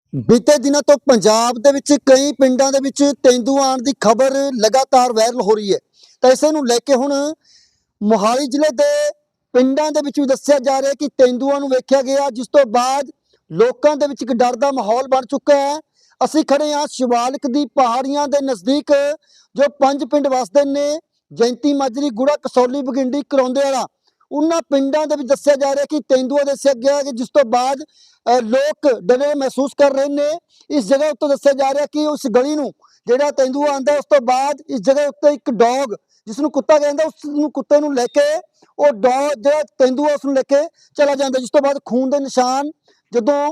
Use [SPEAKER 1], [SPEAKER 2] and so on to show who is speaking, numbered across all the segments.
[SPEAKER 1] ਬੀਤੇ ਦਿਨਾਂ ਤੋਂ ਪੰਜਾਬ ਦੇ ਵਿੱਚ ਕਈ ਪਿੰਡਾਂ ਦੇ ਵਿੱਚ ਤੇਂਦੂ ਆਉਣ ਦੀ ਖਬਰ ਲਗਾਤਾਰ ਵਾਇਰਲ ਹੋ ਰਹੀ ਹੈ। ਤਾਂ ਇਸੇ ਨੂੰ ਲੈ ਕੇ ਹੁਣ ਮੋਹਾਲੀ ਜ਼ਿਲ੍ਹੇ ਦੇ ਪਿੰਡਾਂ ਦੇ ਵਿੱਚ ਵੀ ਦੱਸਿਆ ਜਾ ਰਿਹਾ ਹੈ ਕਿ ਤੇਂਦੂਆਂ ਨੂੰ ਵੇਖਿਆ ਗਿਆ, ਜਿਸ ਤੋਂ ਬਾਅਦ ਲੋਕਾਂ ਦੇ ਵਿੱਚ ਇੱਕ ਡਰ ਦਾ ਮਾਹੌਲ ਬਣ ਚੁੱਕਾ ਹੈ। ਅਸੀਂ ਖੜੇ ਹਾਂ ਸ਼ਿਵਾਲਿਕ ਦੀ ਪਹਾੜੀਆਂ ਦੇ ਨਜ਼ਦੀਕ, ਜੋ 5 ਪਿੰਡ ਵਸਦੇ ਨੇ, ਜੈਂਤੀ ਮਾਜਰੀ, ਗੁੜਾ, ਕਸੌਲੀ, ਬਗਿੰਡੀ, ਕਰੌਂਦੇ ਵਾਲਾ। ਉਹਨਾਂ ਪਿੰਡਾਂ ਦੇ ਵਿੱਚ ਦੱਸਿਆ ਜਾ ਰਿਹਾ ਕਿ ਤੇਂਦੂਆ ਦੱਸਿਆ ਗਿਆ ਕਿ ਜਿਸ ਤੋਂ ਬਾਅਦ ਲੋਕ ਡਰੇ ਮਹਿਸੂਸ ਕਰ ਰਹੇ ਨੇ। ਇਸ ਜਗ੍ਹਾ ਉੱਤੇ ਦੱਸਿਆ ਜਾ ਰਿਹਾ ਕਿ ਉਸ ਗਲੀ ਨੂੰ ਜਿਹੜਾ ਤੇਂਦੂਆ ਆਂਦਾ, ਉਸ ਤੋਂ ਬਾਅਦ ਇਸ ਜਗ੍ਹਾ ਉੱਤੇ ਇੱਕ ਡੌਗ, ਜਿਸ ਨੂੰ ਕੁੱਤਾ ਕਹਿੰਦਾ, ਉਸ ਨੂੰ ਕੁੱਤੇ ਨੂੰ ਲੈ ਕੇ ਉਹ ਡੌਗ ਜਿਹੜਾ ਤੇਂਦੂਆ ਉਸ ਨੂੰ ਲੈ ਕੇ ਚਲਾ ਜਾਂਦਾ। ਜਿਸ ਤੋਂ ਬਾਅਦ ਖੂਨ ਦੇ ਨਿਸ਼ਾਨ ਜਦੋਂ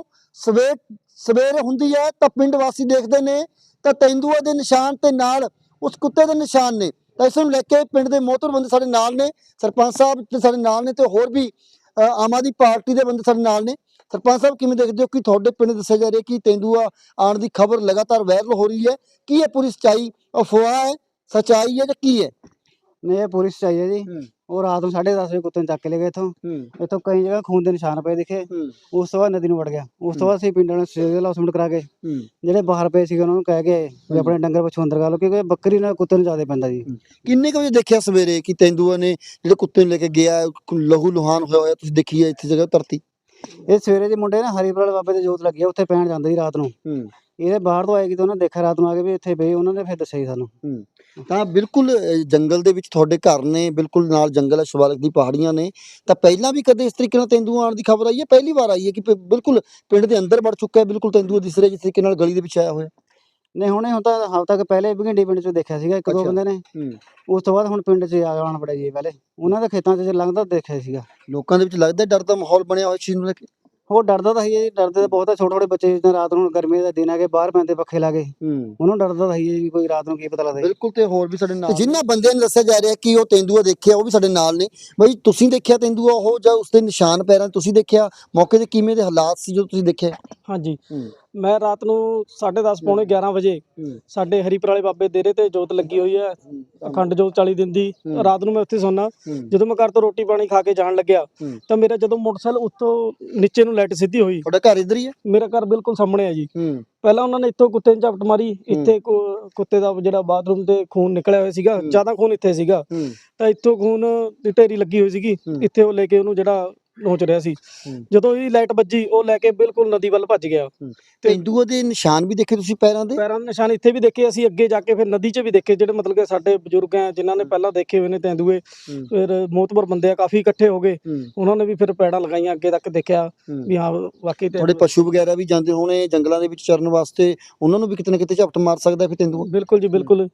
[SPEAKER 1] ਸਵੇਰ ਹੁੰਦੀ ਹੈ ਤਾਂ ਪਿੰਡ ਵਾਸੀ ਦੇਖਦੇ ਨੇ ਤਾਂ ਤੇਂਦੂਆ ਦੇ ਨਿਸ਼ਾਨ ਤੇ ਨਾਲ ਉਸ ਕੁੱਤੇ ਦੇ ਨਿਸ਼ਾਨ ਨੇ। ਤਾਂ ਇਸ ਨੂੰ ਲੈ ਕੇ ਪਿੰਡ ਦੇ ਮੋਹਤਰ ਬੰਦੇ ਸਾਡੇ ਨਾਲ ਨੇ, ਸਰਪੰਚ ਸਾਹਿਬ ਤੇ ਸਾਡੇ ਨਾਲ ਨੇ, ਤੇ ਹੋਰ ਵੀ ਆਮ ਆਦਮੀ ਪਾਰਟੀ ਦੇ ਬੰਦੇ ਸਾਡੇ ਨਾਲ ਨੇ। ਸਰਪੰਚ ਸਾਹਿਬ, ਕਿਵੇਂ ਦੇਖਦੇ ਹੋ ਕਿ ਤੁਹਾਡੇ ਪਿੰਡ ਦੱਸਿਆ ਜਾ ਰਿਹਾ ਕਿ ਤੇਂਦੂਆ ਆਉਣ ਦੀ ਖਬਰ ਲਗਾਤਾਰ ਵਾਇਰਲ ਹੋ ਰਹੀ ਹੈ? ਕੀ ਹੈ ਪੂਰੀ ਸੱਚਾਈ, ਅਫਵਾਹ ਹੈ, ਸੱਚਾਈ ਹੈ ਜਾਂ ਕੀ ਹੈ?
[SPEAKER 2] नहीं, ये पूरी सच्चाई है जी। और रात में 10:30 बजे कुत्ते ने चक के ले गए इतों कई जगह खून के निशान पे दिखे। उस तो बाद नदी में वड़ गया। उस तो बाद असीं पिंड वाले सिविल हॉस्पिटल करा के ਜਿਹੜੇ ਬਾਹਰ ਪਏ ਸੀਗੇ ਉਹਨਾਂ ਨੂੰ ਕਹਿ ਕੇ ਵੀ ਆਪਣੇ ਡੰਗਰ ਪਛੂ ਅੰਦਰ ਕਰ ਲਓ, ਕਿਉਂਕਿ ਬੱਕਰੀ ਨਾਲ ਕੁੱਤੇ ਨੂੰ ਜ਼ਿਆਦਾ ਪੈਂਦਾ ਜੀ।
[SPEAKER 1] ਕਿੰਨੇ ਕੁ ਵਜੇ ਦੇਖਿਆ ਸਵੇਰੇ ਕਿ ਤੇਂਦੂਆ ਨੇ ਜਿਹੜੇ ਕੁੱਤੇ ਨੂੰ ਲੈ ਕੇ ਗਿਆ, ਲਹੂ ਲੁਹਾਨ ਹੋਇਆ ਹੋਇਆ ਤੁਸੀਂ ਦੇਖੀ ਹੈ ਇੱਥੇ ਜਗ੍ਹਾ ਧਰਤੀ?
[SPEAKER 2] ਇਹ ਸਵੇਰੇ ਦੇ ਮੁੰਡੇ ਨਾ ਹਰੀਪੁਰ ਵਾਲੇ ਬਾਬੇ ਦੇ ਜੋਤ ਲੱਗੀ ਆ, ਉੱਥੇ ਪੈਣ ਜਾਂਦੇ ਸੀ ਰਾਤ ਨੂੰ। ਇਹਦੇ ਬਾਹਰ ਤੋਂ ਆਏਗੀ ਤਾਂ ਉਹਨਾਂ ਦੇਖਿਆ ਰਾਤ ਨੂੰ ਆ ਕੇ ਵੀ ਇੱਥੇ ਪਈ, ਉਹਨਾਂ ਨੇ ਫਿਰ ਦੱਸਿਆ ਜੀ ਸਾਨੂੰ।
[SPEAKER 1] ਤਾਂ ਬਿਲਕੁਲ ਜੰਗਲ ਦੇ ਵਿੱਚ ਤੁਹਾਡੇ ਘਰ ਨੇ, ਬਿਲਕੁਲ ਨਾਲ ਜੰਗਲ ਹੈ, ਸ਼ਿਵਾਲਿਕ ਦੀ ਪਹਾੜੀਆਂ ਨੇ। ਤਾਂ ਪਹਿਲਾਂ ਵੀ ਕਦੇ ਇਸ ਤਰੀਕੇ ਨਾਲ ਤੇਂਦੂਆ ਆਉਣ ਦੀ ਖਬਰ ਆਈ ਹੈ? ਪਹਿਲੀ ਵਾਰ ਆਈ ਹੈ ਕਿ ਬਿਲਕੁਲ ਪਿੰਡ ਦੇ ਅੰਦਰ ਵੜ ਚੁੱਕਾ ਹੈ, ਬਿਲਕੁਲ ਤੇਂਦੂਆ ਦਿਸ ਰਿਹਾ ਜਿਸ ਤਰੀਕੇ ਨਾਲ ਗਲੀ ਦੇ ਵਿੱਚ ਆਇਆ ਹੋਇਆ?
[SPEAKER 2] ਨਹੀਂ, ਹੁਣੇ ਹੁਣ ਤਾਂ ਹਫ਼ਤਾ ਤੱਕ ਪਹਿਲੇ ਭਿੰਡੀ ਪਿੰਡ 'ਚ ਦੇਖਿਆ ਸੀਗਾ ਇੱਕ ਦੋ ਬੰਦੇ ਨੇ। ਉਸ ਤੋਂ ਬਾਅਦ ਹੁਣ ਪਿੰਡ 'ਚ ਆਉਣ ਪੜਿਆ ਜੀ। ਪਹਿਲੇ ਉਹਨਾਂ ਦੇ ਖੇਤਾਂ 'ਚ ਲੰਘਦਾ ਦੇਖਿਆ ਸੀਗਾ।
[SPEAKER 1] ਲੋਕਾਂ ਦੇ ਵਿੱਚ ਲੱਗਦਾ ਡਰ ਦਾ ਮਾਹੌਲ ਬਣਿਆ ਹੋਇਆ ਚੀਜ਼ ਨੂੰ ਲੈ ਕੇ?
[SPEAKER 2] ਉਹ ਡਰਦਾ ਤਾਂ ਹੀ ਹੈ ਜੀ, ਡਰਦੇ ਤਾਂ ਬਹੁਤ ਆ। ਛੋਟੇ ਛੋਟੇ ਬੱਚੇ ਜਿੱਦਾਂ ਰਾਤ ਨੂੰ ਗਰਮੀ ਦਾ ਦਿਨ ਆ ਕੇ ਬਾਹਰ ਪੈਂਦੇ ਪੱਖੇ ਲਾ ਕੇ, ਉਹਨੂੰ ਡਰਦਾ ਤਾਂ ਹੀ ਹੈ ਜੀ, ਕੋਈ ਰਾਤ ਨੂੰ ਕੀ ਪਤਾ ਲੱਗਦਾ।
[SPEAKER 1] ਬਿਲਕੁਲ। ਤੇ ਹੋਰ ਵੀ ਸਾਡੇ ਨਾਲ ਜਿਨ੍ਹਾਂ ਬੰਦਿਆਂ ਨੇ ਦੱਸਿਆ ਜਾ ਰਿਹਾ ਕਿ ਉਹ ਤੇਂਦੂਆ ਦੇਖਿਆ, ਉਹ ਵੀ ਸਾਡੇ ਨਾਲ ਨੇ। ਬਈ, ਤੁਸੀਂ ਦੇਖਿਆ ਤੇਂਦੂਆ ਉਹ, ਜਾਂ ਉਸਦੇ ਨਿਸ਼ਾਨ ਪੈਰਾਂ ਤੁਸੀਂ ਦੇਖਿਆ? ਮੌਕੇ ਤੇ ਕਿਵੇਂ ਦੇ ਹਾਲਾਤ ਸੀ ਜਦੋਂ ਤੁਸੀਂ ਦੇਖਿਆ?
[SPEAKER 3] ਹਾਂਜੀ, ਮੈਂ ਰਾਤ ਨੂੰ 10:30 ਪੌਣੇ 11 ਵਜੇ ਸਾਡੇ ਹਰੀਪੁਰ ਵਾਲੇ ਬਾਬੇ ਡੇਰੇ ਤੇ ਜੋਤ ਲੱਗੀ ਹੋਈ ਹੈ, ਅਖੰਡ ਜੋਤ 40 ਦਿਨ ਦੀ। ਰਾਤ ਨੂੰ ਮੈਂ ਉੱਥੇ ਸੌਣਾ। ਜਦੋਂ ਮੈਂ ਘਰ ਤੋਂ ਰੋਟੀ ਪਾਣੀ ਖਾ ਕੇ ਜਾਣ ਲੱਗਿਆ ਤਾਂ ਮੇਰਾ ਜਦੋਂ ਮੋਟਰਸਾਈਕਲ ਉੱਤੋਂ ਨੀਚੇ ਨੂੰ ਲਾਈਟ ਸਿੱਧੀ ਹੋਈ।
[SPEAKER 1] ਤੁਹਾਡਾ ਘਰ ਇੱਧਰ ਹੀ ਹੈ?
[SPEAKER 3] ਮੇਰਾ ਘਰ ਬਿਲਕੁਲ ਸਾਹਮਣੇ ਹੈ ਜੀ। ਪਹਿਲਾਂ ਉਹਨਾਂ ਨੇ ਇੱਥੋਂ ਕੁੱਤੇ ਨੂੰ ਝਪਟ ਮਾਰੀ, ਇੱਥੇ ਕੁੱਤੇ ਦਾ ਜਿਹੜਾ ਬਾਥਰੂਮ ਤੇ ਖੂਨ ਨਿਕਲਿਆ ਹੋਇਆ ਸੀਗਾ, ਜ਼ਿਆਦਾ ਖੂਨ ਇੱਥੇ ਸੀਗਾ, ਤਾਂ ਇੱਥੋਂ ਖੂਨ ਦੀ ਢੇਰੀ ਲੱਗੀ ਹੋਈ ਸੀਗੀ। ਇੱਥੇ ਉਹ ਲੈ ਕੇ ਉਹਨੂੰ ਜਿਹੜਾ ਨੋਚ ਰਿਹਾ ਸੀ, ਜਦੋਂ ਇਹ ਲਾਈਟ ਵੱਜੀ ਉਹ ਲੈ ਕੇ ਬਿਲਕੁਲ ਨਦੀ ਵੱਲ ਭੱਜ ਗਿਆ।
[SPEAKER 1] ਤੇਂਦੂਆ ਦੇ ਨਿਸ਼ਾਨ ਵੀ ਦੇਖੇ ਤੁਸੀਂ ਪੈਰਾਂ ਦੇ?
[SPEAKER 3] ਪੈਰਾਂ ਦੇ ਨਿਸ਼ਾਨ ਇੱਥੇ ਵੀ ਦੇਖੇ ਅਸੀਂ, ਅੱਗੇ ਜਾ ਕੇ ਫਿਰ ਨਦੀ 'ਚ ਵੀ ਦੇਖੇ। ਜਿਹੜੇ ਮਤਲਬ ਕਿ ਸਾਡੇ ਬਜ਼ੁਰਗ ਆ ਜਿਨ੍ਹਾਂ ਨੇ ਪਹਿਲਾਂ ਦੇਖੇ ਹੋਏ ਨੇ ਤੇਂਦੂਏ, ਫਿਰ ਮੋਤਬਰ ਬੰਦੇ ਆ ਕਾਫੀ ਇਕੱਠੇ ਹੋ ਗਏ, ਉਹਨਾਂ ਨੇ ਵੀ ਫਿਰ ਪੈੜਾਂ ਲਗਾਈਆਂ, ਅੱਗੇ ਤੱਕ ਦੇਖਿਆ ਵੀ ਹਾਂ ਵਾਕਈ।
[SPEAKER 1] ਤੁਹਾਡੇ ਪਸ਼ੂ ਵਗੈਰਾ ਵੀ ਜਾਂਦੇ ਹੋਣੇ ਜੰਗਲਾਂ ਦੇ ਵਿੱਚ ਚਰਨ ਵਾਸਤੇ, ਉਹਨਾਂ ਨੂੰ ਵੀ ਕਿਤੇ ਨਾ ਕਿਤੇ ਝਪਟ ਮਾਰ ਸਕਦਾ ਫਿਰ ਤੇਂਦੂਆ?
[SPEAKER 3] ਬਿਲਕੁਲ ਜੀ, ਬਿਲਕੁਲ।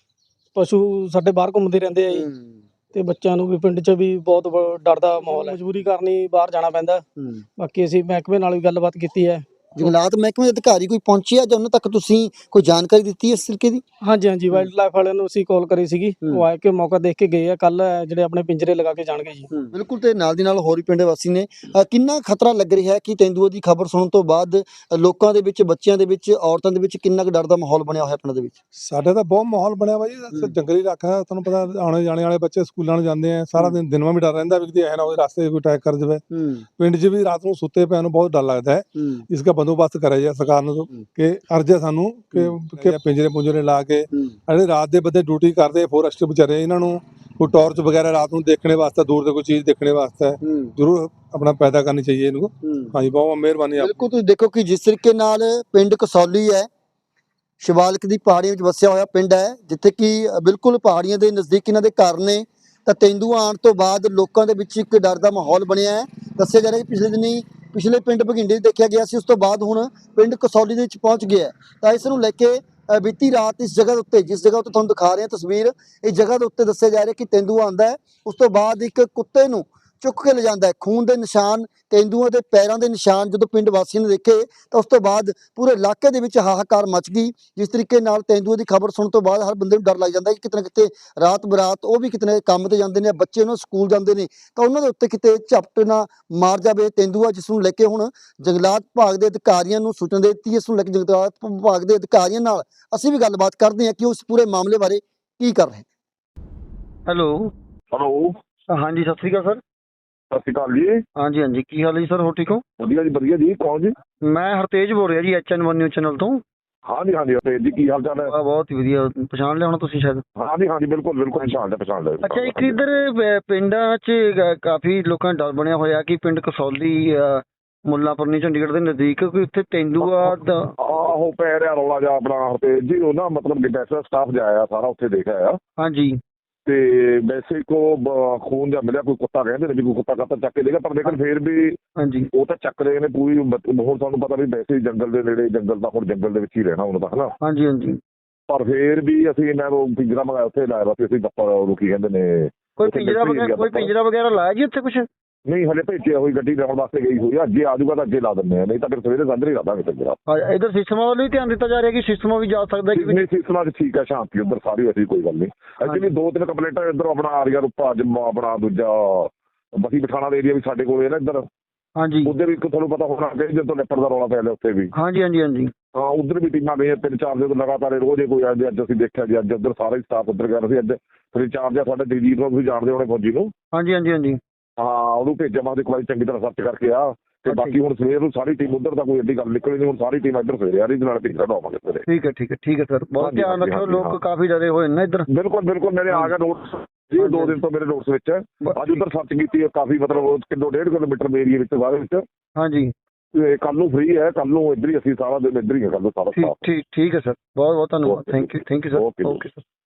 [SPEAKER 3] ਪਸ਼ੂ ਸਾਡੇ ਬਾਹਰ ਘੁੰਮਦੇ ਰਹਿੰਦੇ ਆ ਜੀ, ਤੇ ਬੱਚਿਆਂ ਨੂੰ ਵੀ ਪਿੰਡ 'ਚ ਵੀ ਬਹੁਤ ਡਰ ਦਾ ਮਾਹੌਲ ਹੈ, ਮਜਬੂਰੀ ਕਰਨੀ ਬਾਹਰ ਜਾਣਾ ਪੈਂਦਾ। ਬਾਕੀ ਅਸੀਂ ਮਹਿਕਮੇ ਨਾਲ ਵੀ ਗੱਲਬਾਤ ਕੀਤੀ ਹੈ।
[SPEAKER 1] ਜੰਗਲਾਤ ਮਹਿਕਮੇ ਦੇ ਅਧਿਕਾਰੀ ਕੋਈ ਪਹੁੰਚਿਆ ਜਾਂ ਉਹਨਾਂ ਤੱਕ ਤੁਸੀਂ ਕੋਈ ਜਾਣਕਾਰੀ ਦਿੱਤੀ ਇਸ ਤਰੀਕੇ ਦੀ?
[SPEAKER 3] ਹਾਂਜੀ ਹਾਂਜੀ, ਵਾਈਲਡ ਲਾਈਫ ਵਾਲਿਆਂ ਨੂੰ ਅਸੀਂ ਕਾਲ ਕਰੀ ਸੀਗੀ, ਉਹ ਆ ਕੇ ਮੌਕਾ ਦੇਖ ਕੇ ਗਏ ਆ। ਕੱਲ ਜਿਹੜੇ ਆਪਣੇ ਪਿੰਜਰੇ ਲਗਾ ਕੇ ਜਾਣਗੇ ਜੀ।
[SPEAKER 1] ਬਿਲਕੁਲ। ਤੇ ਨਾਲ ਦੀ ਨਾਲ ਹੋਰ ਵੀ ਪਿੰਡ ਵਾਸੀ ਨੇ। ਕਿੰਨਾ ਖਤਰਾ ਲੱਗ ਰਿਹਾ ਹੈ ਕਿ ਤੇਂਦੂਏ ਦੀ ਖਬਰ ਸੁਣਨ ਤੋਂ ਬਾਅਦ ਲੋਕਾਂ ਦੇ ਵਿੱਚ, ਬੱਚਿਆਂ ਦੇ ਵਿੱਚ, ਔਰਤਾਂ ਦੇ ਵਿੱਚ ਕਿੰਨਾ ਕੁ ਡਰ ਦਾ ਮਾਹੌਲ ਬਣਿਆ ਹੋਇਆ ਪਿੰਡ ਦੇ ਵਿੱਚ?
[SPEAKER 4] ਸਾਡੇ ਤਾਂ ਬਹੁਤ ਮਾਹੌਲ ਬਣਿਆ ਵਾ ਜੀ। ਜੰਗਲੀ ਇਲਾਕਾ, ਤੁਹਾਨੂੰ ਪਤਾ, ਆਉਣੇ ਜਾਣੇ ਵਾਲੇ ਬੱਚੇ ਸਕੂਲਾਂ ਨੂੰ ਜਾਂਦੇ ਆ, ਸਾਰਾ ਦਿਨ ਦਿਨਵਾਂ ਵੀ ਡਰ ਰਹਿੰਦਾ ਵੀ ਕਿਤੇ ਐ ਨਾ ਹੋਵੇ ਰਸਤੇ ਕੋਈ ਅਟੈਕ ਕਰ ਜਾਵੇ। ਪਿੰਡ 'ਚ ਵੀ ਰਾਤ ਨੂੰ ਸੁੱਤੇ ਪਿਆ ਨੂੰ ਬਹੁਤ ਡਰ ਲੱਗਦਾ ਹੈ। ਇਸ ਦਾ ਬੰਦੋਬਸਤ ਕਰਿਆ ਜਾਏ ਸਰਕਾਰ ਨੂੰ ਕਿ ਅਰਜ਼ ਹੈ ਸਾਨੂੰ ਕਿ ਪਿੰਜਰੇ ਪੁੰਜਰੇ ਲਾ ਕੇ ਜਿਹੜੇ ਰਾਤ ਦੇ ਬੰਦੇ ਡਿਊਟੀ ਕਰਦੇ ਫੋਰੈਸਟ ਵਿਚਾਰੇ, ਇਹਨਾਂ ਨੂੰ ਕੋਈ ਟਾਰਚ ਵਗੈਰਾ ਰਾਤ ਨੂੰ ਦੇਖਣੇ ਵਾਸਤੇ, ਦੂਰ ਤੋਂ ਕੋਈ ਚੀਜ਼ ਦੇਖਣੇ ਵਾਸਤੇ ਜ਼ਰੂਰ ਆਪਣਾ ਪੈਦਾ ਕਰਨੀ ਚਾਹੀਏ ਇਹਨੂੰ। ਹਾਂਜੀ, ਬਹੁਤ ਮਿਹਰਬਾਨੀ।
[SPEAKER 1] ਬਿਲਕੁਲ। ਤੁਸੀਂ ਦੇਖੋ ਕਿ ਜਿਸ ਤਰੀਕੇ ਨਾਲ ਪਿੰਡ ਕਸੌਲੀ ਹੈ, ਸ਼ਿਵਾਲਿਕ ਦੀ ਪਹਾੜੀਆਂ ਵਿੱਚ ਵਸਿਆ ਹੋਇਆ ਪਿੰਡ ਹੈ, ਜਿੱਥੇ ਕਿ ਬਿਲਕੁਲ ਪਹਾੜੀਆਂ ਦੇ ਨਜ਼ਦੀਕ ਇਹਨਾਂ ਦੇ ਘਰ ਨੇ। ਤਾਂ ਤੇਂਦੂਆ ਆਉਣ ਤੋਂ ਬਾਅਦ ਲੋਕਾਂ ਦੇ ਵਿੱਚ ਇੱਕ ਡਰ ਦਾ ਮਾਹੌਲ ਬਣਿਆ ਹੈ। ਦੱਸਿਆ ਜਾ ਰਿਹਾ ਕਿ ਪਿਛਲੇ ਪਿੰਡ ਬਘਿੰਡੇ ਦੇਖਿਆ ਗਿਆ ਸੀ, ਉਸ ਤੋਂ ਬਾਅਦ ਹੁਣ ਪਿੰਡ ਕਸੌਲੀ ਦੇ ਵਿੱਚ ਪਹੁੰਚ ਗਿਆ। ਤਾਂ ਇਸ ਨੂੰ ਲੈ ਕੇ ਬੀਤੀ ਰਾਤ ਇਸ ਜਗ੍ਹਾ ਉੱਤੇ, ਜਿਸ ਜਗ੍ਹਾ ਉੱਤੇ ਤੁਹਾਨੂੰ ਦਿਖਾ ਰਹੇ ਹਾਂ ਤਸਵੀਰ, ਇਸ ਜਗ੍ਹਾ ਦੇ ਉੱਤੇ ਦੱਸਿਆ ਜਾ ਰਿਹਾ ਕਿ ਤੇਂਦੂਆ ਆਉਂਦਾ ਹੈ, ਉਸ ਤੋਂ ਬਾਅਦ ਇੱਕ ਕੁੱਤੇ ਨੂੰ ਚੁੱਕ ਕੇ ਲੈ ਜਾਂਦਾ ਹੈ। ਖੂਨ ਦੇ ਨਿਸ਼ਾਨ, ਤੇਂਦੂਆ ਦੇ ਪੈਰਾਂ ਦੇ ਨਿਸ਼ਾਨ ਜਦੋਂ ਪਿੰਡ ਵਾਸੀਆਂ ਨੇ ਦੇਖੇ ਤਾਂ ਉਸ ਤੋਂ ਬਾਅਦ ਪੂਰੇ ਇਲਾਕੇ ਦੇ ਵਿੱਚ ਹਾਹਾਕਾਰ ਮਚ ਗਈ। ਜਿਸ ਤਰੀਕੇ ਨਾਲ ਤੇਂਦੂਏ ਦੀ ਖਬਰ ਸੁਣਨ ਤੋਂ ਬਾਅਦ ਹਰ ਬੰਦੇ ਨੂੰ ਡਰ ਲੱਗ ਜਾਂਦਾ ਕਿ ਕਿਤੇ ਨਾ ਕਿਤੇ ਰਾਤ ਬਰਾਤ ਉਹ ਵੀ ਕਿਤੇ ਨਾ ਕੰਮ ਤੇ ਜਾਂਦੇ ਨੇ, ਬੱਚੇ ਉਹਨਾਂ ਸਕੂਲ ਜਾਂਦੇ ਨੇ, ਤਾਂ ਉਹਨਾਂ ਦੇ ਉੱਤੇ ਕਿਤੇ ਝਪਟ ਨਾ ਮਾਰ ਜਾਵੇ ਤੇਂਦੂਆ। ਜਿਸ ਨੂੰ ਲੈ ਕੇ ਹੁਣ ਜੰਗਲਾਤ ਵਿਭਾਗ ਦੇ ਅਧਿਕਾਰੀਆਂ ਨੂੰ ਸੂਚਨਾ ਦੇ ਦਿੱਤੀ। ਇਸ ਨੂੰ ਲੈ ਕੇ ਜੰਗਲਾਤ ਵਿਭਾਗ ਦੇ ਅਧਿਕਾਰੀਆਂ ਨਾਲ ਅਸੀਂ ਵੀ ਗੱਲਬਾਤ ਕਰਦੇ ਹਾਂ ਕਿ ਉਸ ਪੂਰੇ ਮਾਮਲੇ ਬਾਰੇ ਕੀ ਕਰ ਰਹੇ।
[SPEAKER 5] ਹੈਲੋ ਹਾਂਜੀ, ਸਤਿ ਸ਼੍ਰੀ ਅਕਾਲ ਸਰ।
[SPEAKER 6] ਸਤਿ ਸ਼੍ਰੀ ਅਕਾਲ ਜੀ।
[SPEAKER 5] ਹਾਂਜੀ ਹਾਂਜੀ, ਕੀ ਹਾਲ ਹੈ ਜੀ ਸਰ? ਹੋ ਠੀਕ ਹੋ?
[SPEAKER 6] ਵਧੀਆ ਜੀ, ਵਧੀਆ ਜੀ। ਕੌਣ ਜੀ?
[SPEAKER 5] ਮੈਂ ਹਰਤੇਜ ਬੋਲ ਰਿਹਾ ਜੀ HN1 ਨਿਊਜ਼ ਚੈਨਲ ਤੋਂ।
[SPEAKER 6] ਹਾਂਜੀ ਹਾਂਜੀ ਤੇ ਜੀ ਕੀ ਹਾਲ ਚਾਲ ਹੈ?
[SPEAKER 5] ਬਹੁਤ ਹੀ ਵਧੀਆ, ਪਛਾਣ ਲਿਆ ਹੋਣਾ ਤੁਸੀਂ ਸ਼ਾਇਦ।
[SPEAKER 6] ਹਾਂਜੀ ਹਾਂਜੀ ਬਿਲਕੁਲ ਬਿਲਕੁਲ ਪਛਾਣ ਲਿਆ।
[SPEAKER 5] ਅੱਛਾ, ਇੱਕ ਇੱਧਰ ਪਿੰਡਾਂ 'ਚ ਕਾਫੀ ਲੋਕਾਂ ਦਾ ਡਰ ਬਣਿਆ ਹੋਇਆ ਕਿ ਪਿੰਡ ਕਸੌਲੀ ਮੁੱਲਾਂਪੁਰਨੀ ਚੰਡੀਗੜ੍ਹ ਦੇ ਨਜ਼ਦੀਕ ਕੋਈ ਉੱਥੇ ਤੇਂਦੂਆ ਦਾ
[SPEAKER 6] ਆਹੋ ਪੈ ਰਿਹਾ ਰੌਲਾ ਜਿਹਾ ਆਪਣਾ ਤੇ ਜੀ ਉਹ ਨਾ ਮਤਲਬ ਡਿਟੈਚ ਸਟਾਫ ਜਾਇਆ ਸਾਰਾ ਉੱਥੇ ਦੇਖ ਆਇਆ
[SPEAKER 5] ਹਾਂਜੀ
[SPEAKER 6] ਤੇ ਵੈਸੇ ਕੋ ਖੂਨ ਜਿਹਾ ਮਿਲਿਆ, ਕੋਈ ਕੁੱਤਾ ਕਹਿੰਦੇ ਨੇ ਵੀ ਕੋਈ ਕੁੱਤਾ ਕਾਤਾ ਚੱਕ ਕੇ ਦੇਗਾ, ਪਰ ਲੇਕਿਨ ਫੇਰ ਵੀ
[SPEAKER 5] ਹਾਂਜੀ
[SPEAKER 6] ਉਹ ਤਾਂ ਚੱਕ ਰਹੇ ਨੇ ਪੂਰੀ। ਹੁਣ ਤੁਹਾਨੂੰ ਪਤਾ ਵੀ ਵੈਸੇ ਜੰਗਲ ਦੇ ਨੇੜੇ, ਜੰਗਲ ਦਾ ਹੁਣ ਜੰਗਲ ਦੇ ਵਿੱਚ ਹੀ ਰਹਿਣਾ ਹੁਣ ਤਾਂ ਹਨਾ,
[SPEAKER 5] ਹਾਂਜੀ ਹਾਂਜੀ।
[SPEAKER 6] ਪਰ ਫੇਰ ਵੀ ਅਸੀਂ ਇਹਨਾਂ ਨੂੰ ਪਿੰਜਰਾ ਮੰਗਾਇਆ ਉੱਥੇ ਲਾਇਆ ਵਾ, ਅਸੀਂ ਗੱਪਾ ਉਹਨੂੰ ਕੀ ਕਹਿੰਦੇ ਨੇ
[SPEAKER 5] ਕੋਈ ਪਿੰਜਰਾ ਵਗੈਰਾ ਲਾਇਆ ਜੀ ਉੱਥੇ ਕੁਛ?
[SPEAKER 6] ਨਹੀਂ ਹਲੇ ਭੇਜਿਆ ਹੋਈ ਗੱਡੀ ਲਾਉਣ ਵਾਸਤੇ ਗਈ ਹੋਈ ਆ, ਅੱਗੇ ਆ ਜਾਊਗਾ ਤਾਂ ਅੱਗੇ ਲਾ ਦਿੰਦੇ ਆ, ਨਹੀਂ ਤਾਂ ਫਿਰ ਸਵੇਰੇ ਸਾਜਰੇ ਹੀ ਲਾ ਦਾਂਗੇ ਪਿੰਜਰਾ।
[SPEAKER 5] ਇੱਧਰ ਸਿਸਟਮਾਂ ਵੱਲੋਂ ਵੀ ਧਿਆਨ ਦਿੱਤਾ ਜਾ ਰਿਹਾ ਕਿ ਸਿਸਟਮਾਂ ਵੀ ਜਾ ਸਕਦਾ ਕਿ
[SPEAKER 6] ਨਹੀਂ ਸਿਸਟਮਾਂ 'ਚ ਠੀਕ ਹੈ, ਸ਼ਾਂਤੀ ਉੱਧਰ ਸਾਰੀ ਅਸੀਂ ਕੋਈ ਗੱਲ ਨਹੀਂ। ਐਕਚੁਅਲੀ 2-3 ਕੰਪਲੇਂਟਾਂ ਇੱਧਰ ਆਪਣਾ ਆ ਰਹੀਆਂ ਰੂਪਾ ਆਪਣਾ ਦੂਜਾ ਬਸੀ ਪਠਾਣਾ ਦਾ ਏਰੀਆ ਵੀ ਸਾਡੇ ਕੋਲ ਹੈ ਨਾ ਇੱਧਰ,
[SPEAKER 5] ਹਾਂਜੀ
[SPEAKER 6] ਉੱਧਰ ਵੀ ਤੁਹਾਨੂੰ ਪਤਾ ਹੋਣਾ ਕਿ ਜਦੋਂ ਲੈਪਰ ਦਾ ਰੌਲਾ ਪੈ ਲਿਆ ਉੱਥੇ ਵੀ।
[SPEAKER 5] ਹਾਂਜੀ ਹਾਂਜੀ ਹਾਂਜੀ
[SPEAKER 6] ਹਾਂ ਉੱਧਰ ਵੀ ਟੀਮਾਂ ਗਈਆਂ 3-4 ਦਿਨ ਲਗਾਤਾਰ ਰੋਜ਼ ਹੀ ਕੋਈ ਆਉਂਦੇ। ਅੱਜ ਅਸੀਂ ਦੇਖਿਆ ਜੀ ਅੱਜ ਉੱਧਰ ਸਾਰਾ ਹੀ ਸਟਾਫ ਉੱਧਰ ਗਿਆ ਸੀ। ਅੱਜ ਫਿਰ ਇੰਚਾਰਜ ਆ ਸਾਡੇ ਦਿਲਜੀਤ ਨੂੰ ਤੁਸੀਂ ਜਾਣਦੇ ਹੋਣੇ ਫੌਜੀ ਨੂੰ।
[SPEAKER 5] ਹਾਂਜੀ ਹਾਂਜੀ ਹਾਂਜੀ
[SPEAKER 6] ਹਾਂ ਉਹਨੂੰ ਭੇਜਿਆ ਮੈਂ ਇੱਕ ਵਾਰੀ ਚੰਗੀ ਤਰ੍ਹਾਂ ਸਰਚ ਕਰਕੇ ਆ ਤੇ ਬਾਕੀ ਹੁਣ ਸਵੇਰ ਨੂੰ ਸਾਰੀ ਟੀਮ ਉੱਧਰ ਤਾਂ ਕੋਈ ਐਡੀ ਗੱਲ ਨਿਕਲੀ ਨਹੀਂ, ਹੁਣ ਸਾਰੀ ਟੀਮ ਇੱਧਰ ਸਵੇਰੇ ਆ ਰਹੀ ਨਾਲ ਭੇਜਾ ਦਵਾਂਗੇ ਸਵੇਰੇ।
[SPEAKER 5] ਠੀਕ ਹੈ ਸਰ, ਬਹੁਤ ਧਿਆਨ ਰੱਖਿਓ, ਲੋਕ ਕਾਫੀ ਡਰੇ ਹੋਏ ਨੇ ਇੱਧਰ।
[SPEAKER 6] ਬਿਲਕੁਲ ਬਿਲਕੁਲ ਮੇਰੇ ਆ ਗਿਆ ਨੋਟਸ ਜੀ, 2 ਦਿਨ ਤੋਂ ਮੇਰੇ ਨੋਟਸ ਵਿੱਚ ਅੱਜ ਉੱਧਰ ਸਰਚ ਕੀਤੀ ਹੈ ਕਾਫੀ, ਮਤਲਬ 1.5 ਕਿਲੋਮੀਟਰ ਦੇ ਏਰੀਆ ਵਿੱਚ ਬਾਹਰ ਵਿੱਚ।
[SPEAKER 5] ਹਾਂਜੀ
[SPEAKER 6] ਕੱਲ ਨੂੰ ਫ੍ਰੀ ਹੈ, ਕੱਲ ਨੂੰ ਇੱਧਰ ਹੀ ਅਸੀਂ ਸਾਰਾ ਦਿਨ ਇੱਧਰ ਹੀ ਹੈ ਕੱਲ ਨੂੰ ਸਾਰਾ ਸਟਾਫ।
[SPEAKER 5] ਠੀਕ ਹੈ ਸਰ, ਬਹੁਤ ਬਹੁਤ ਧੰਨਵਾਦ, thank you sir,
[SPEAKER 6] okay
[SPEAKER 5] okay sir.